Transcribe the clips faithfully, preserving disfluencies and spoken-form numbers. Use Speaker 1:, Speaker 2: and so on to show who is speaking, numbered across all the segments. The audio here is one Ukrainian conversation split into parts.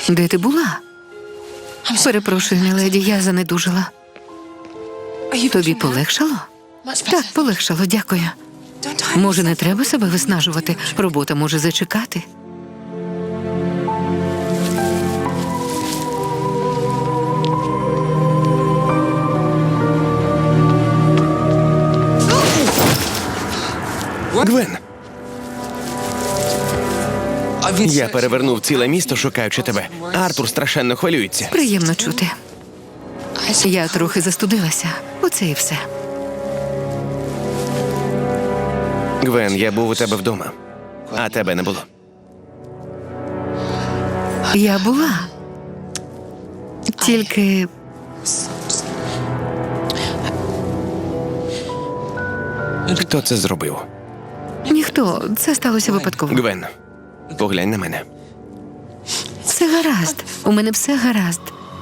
Speaker 1: Де ти була? Перепрошую, міледі, я занедужила. Тобі полегшало? Так, полегшало, дякую. Може, не треба себе виснажувати? Робота може зачекати.
Speaker 2: Гвен! Я перевернув ціле місто, шукаючи тебе. Артур страшенно хвилюється.
Speaker 1: Приємно чути. Я трохи застудилася. Оце і все.
Speaker 2: Гвен, я був у тебе вдома, а тебе не було.
Speaker 1: Я була. Тільки
Speaker 2: Хто це зробив?
Speaker 1: ніхто. Це сталося випадково.
Speaker 2: Гвен, поглянь на мене.
Speaker 1: Все гаразд. У мене все гаразд.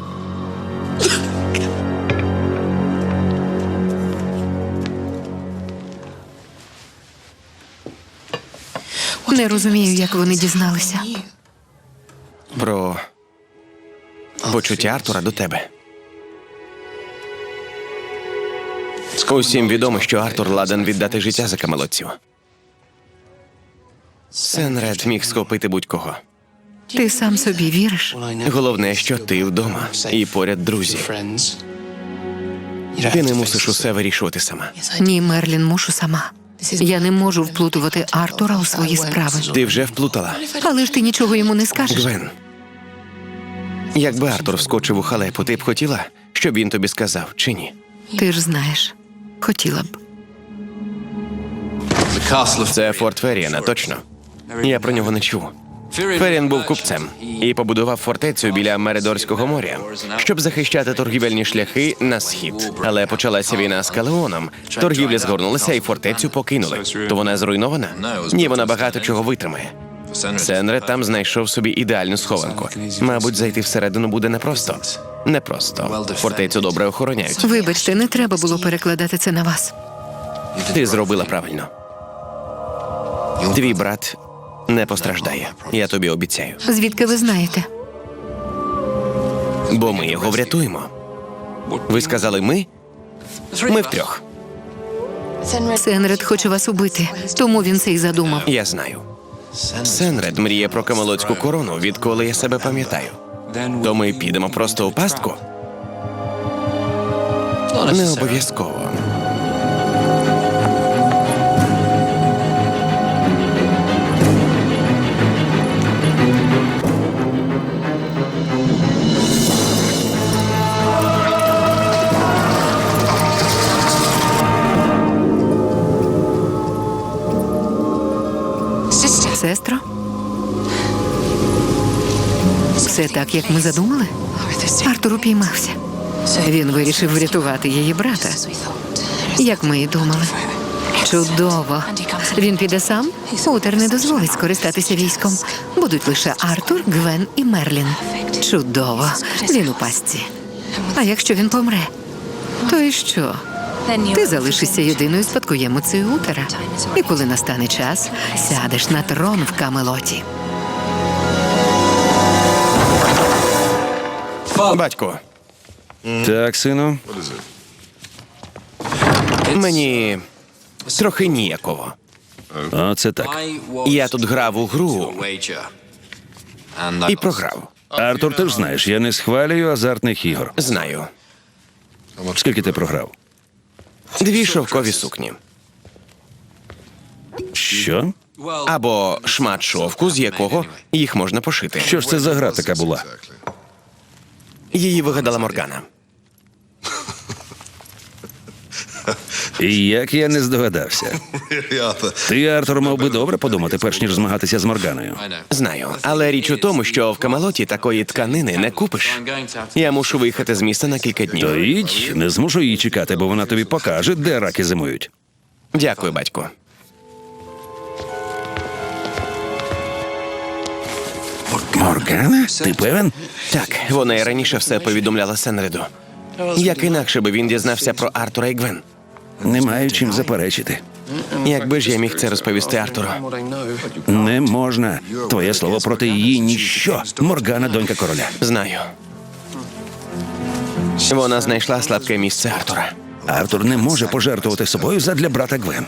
Speaker 1: Не розумію, як вони дізналися.
Speaker 2: Про почуття Артура до тебе. Усім відомо, що Артур ладен віддати життя за камелотців. Сенред міг схопити будь-кого.
Speaker 1: Ти сам собі віриш?
Speaker 2: Головне, що ти вдома і поряд друзі. Ти не мусиш усе вирішувати сама.
Speaker 1: Ні, Мерлін, мушу сама. Я не можу вплутувати Артура у свої справи.
Speaker 2: Ти вже вплутала.
Speaker 1: Але ж ти нічого йому не скажеш.
Speaker 2: Гвен, якби Артур вскочив у халепу, ти б хотіла, щоб він тобі сказав, чи ні?
Speaker 1: Ти ж знаєш. Хотіла б.
Speaker 2: Це форт Ферріана, точно. Я про нього не чув. Ферріан був купцем і побудував фортецю біля Меридорського моря, щоб захищати торгівельні шляхи на схід. Але почалася війна з Калеоном, торгівля згорнулася і фортецю покинули. То вона зруйнована? Ні, вона багато чого витримає. Сенред там знайшов собі ідеальну схованку. Мабуть, зайти всередину буде непросто. Непросто. Фортецю добре охороняють.
Speaker 1: Вибачте, не треба було перекладати це на вас.
Speaker 2: Ти зробила правильно. Твій брат не постраждає. Я тобі обіцяю.
Speaker 1: Звідки ви знаєте?
Speaker 2: Бо ми його врятуємо. Ви сказали «ми»? Ми втрьох.
Speaker 1: Сенред хоче вас убити, тому він це й задумав.
Speaker 2: Я знаю. Сенред мріє про камелотську корону, відколи я себе пам'ятаю. То ми підемо просто у пастку? Не обов'язково.
Speaker 1: Сестро? Все так, як ми задумали? Артур упіймався. Він вирішив врятувати її брата, як ми і думали. Чудово. Він піде сам? Утер не дозволить скористатися військом. Будуть лише Артур, Гвен і Мерлін. Чудово. Він у пастці. А якщо він помре? То і що? Ти залишишся єдиною спадкоємицею Утера. І коли настане час, сядеш на трон в Камелоті.
Speaker 2: Батько,
Speaker 3: Так, сину.
Speaker 2: мені трохи ніяково.
Speaker 3: Оце так.
Speaker 2: Я тут грав у гру і програв.
Speaker 3: Артур, ти ж знаєш, я не схвалюю азартних ігор.
Speaker 2: Знаю.
Speaker 3: Скільки ти програв?
Speaker 2: Дві шовкові сукні.
Speaker 3: Що?
Speaker 2: Або шмат шовку, з якого їх можна пошити.
Speaker 3: Що ж це за гра така була?
Speaker 2: Її вигадала Моргана.
Speaker 3: І як я не здогадався. Ти, Артур, мав би добре подумати, перш ніж змагатися з Морганою.
Speaker 2: Знаю, але річ у тому, що в Камелоті такої тканини не купиш. Я мушу виїхати з міста на кілька
Speaker 3: То
Speaker 2: днів.
Speaker 3: їдь, не змушу її чекати, бо вона тобі покаже, де раки зимують.
Speaker 2: Дякую, батько.
Speaker 3: Моргана? Ти певен?
Speaker 2: Так, вона і раніше все повідомляла Сенреду. Як інакше би він дізнався про Артура і Гвен?
Speaker 3: Не маю чим заперечити.
Speaker 2: Якби ж я міг це розповісти Артуру.
Speaker 3: Не можна. Твоє слово проти її ніщо. Моргана – донька короля.
Speaker 2: Знаю. Вона знайшла слабке місце Артура.
Speaker 3: Артур не може пожертвувати собою задля брата Гвен.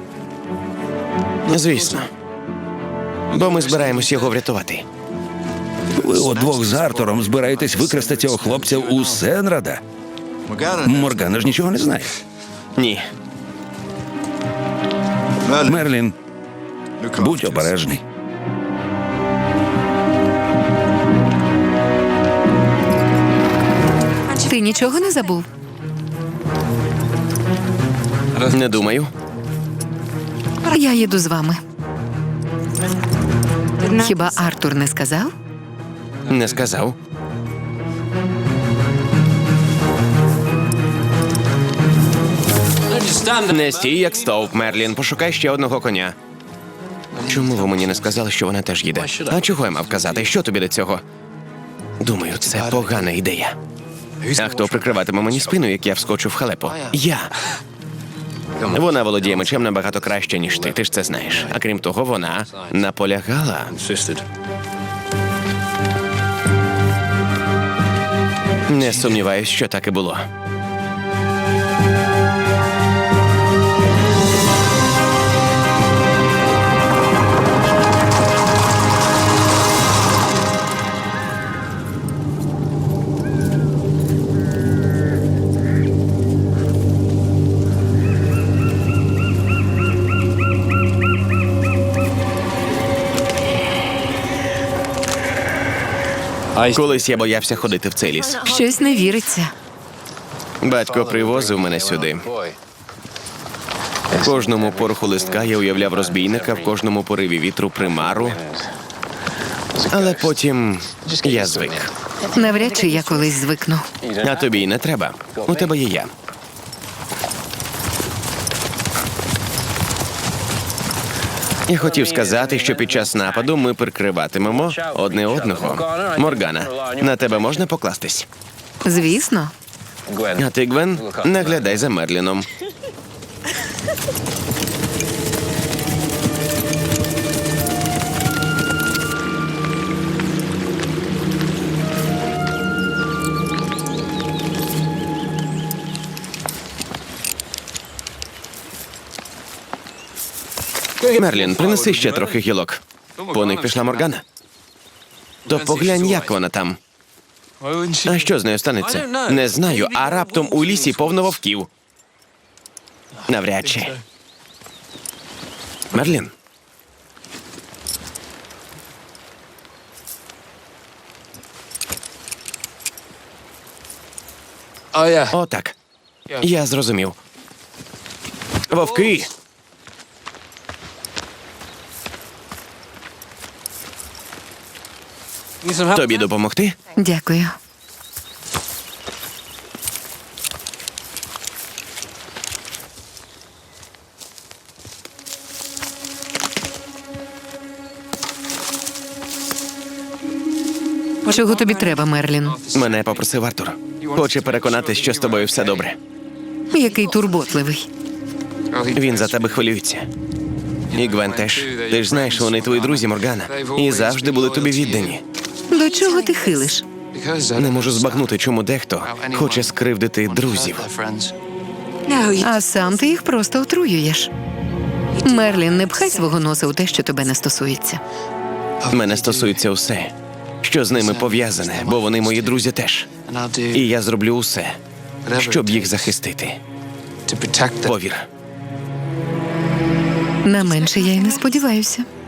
Speaker 2: Звісно. Бо ми збираємось його врятувати.
Speaker 3: Ви удвох з Артуром збираєтесь викрасти цього хлопця у Сенрада? Моргана ж нічого не знає.
Speaker 2: Ні.
Speaker 3: Мерлін, будь обережний.
Speaker 1: Ти нічого не забув?
Speaker 2: Не думаю.
Speaker 1: Я їду з вами. Хіба Артур не сказав?
Speaker 2: Не сказав. Не стій, як стовп, Мерлін. Пошукай ще одного коня. Чому ви мені не сказали, що вона теж їде? А чого я мав казати? Що тобі до цього? Думаю, це погана ідея. А хто прикриватиме мені спину, як я вскочу в халепу? Я. Вона володіє мечем набагато краще, ніж ти. Ти ж це знаєш. А крім того, вона наполягала. Не сумніваюсь, що так і було. Колись я боявся ходити в цей ліс.
Speaker 1: Щось не віриться.
Speaker 2: Батько привозив мене сюди. В кожному пороху листка я уявляв розбійника, в кожному пориві вітру примару. Але потім я звик.
Speaker 1: Навряд чи я колись звикну.
Speaker 2: А тобі й не треба. У тебе є я. Я хотів сказати, що під час нападу ми прикриватимемо одне одного. Моргана, на тебе можна покластись?
Speaker 1: Звісно.
Speaker 2: А ти, Гвен, наглядай за Мерліном. Мерлін, принеси ще трохи гілок. По них пішла Моргана. То поглянь, як вона там. А що з нею станеться? Не знаю, а раптом у лісі повно вовків. Навряд чи. Мерлін. О, так. Я зрозумів. Вовки. Тобі допомогти?
Speaker 1: Дякую. Чого тобі треба, Мерлін?
Speaker 2: Мене попросив Артур. Хоче переконатись, що з тобою все добре.
Speaker 1: Який турботливий.
Speaker 2: Він за тебе хвилюється. І Гвен теж. Ти ж знаєш, вони твої друзі, Моргана. І завжди були тобі віддані.
Speaker 1: До чого ти хилиш?
Speaker 2: Не можу збагнути, чому дехто хоче скривдити друзів.
Speaker 1: А сам ти їх просто отруюєш. Мерлін, не пхай свого носа у те, що тебе не стосується.
Speaker 2: Мене стосується усе, що з ними пов'язане, бо вони мої друзі теж. І я зроблю усе, щоб їх захистити. Повір.
Speaker 1: На менше я й не сподіваюся.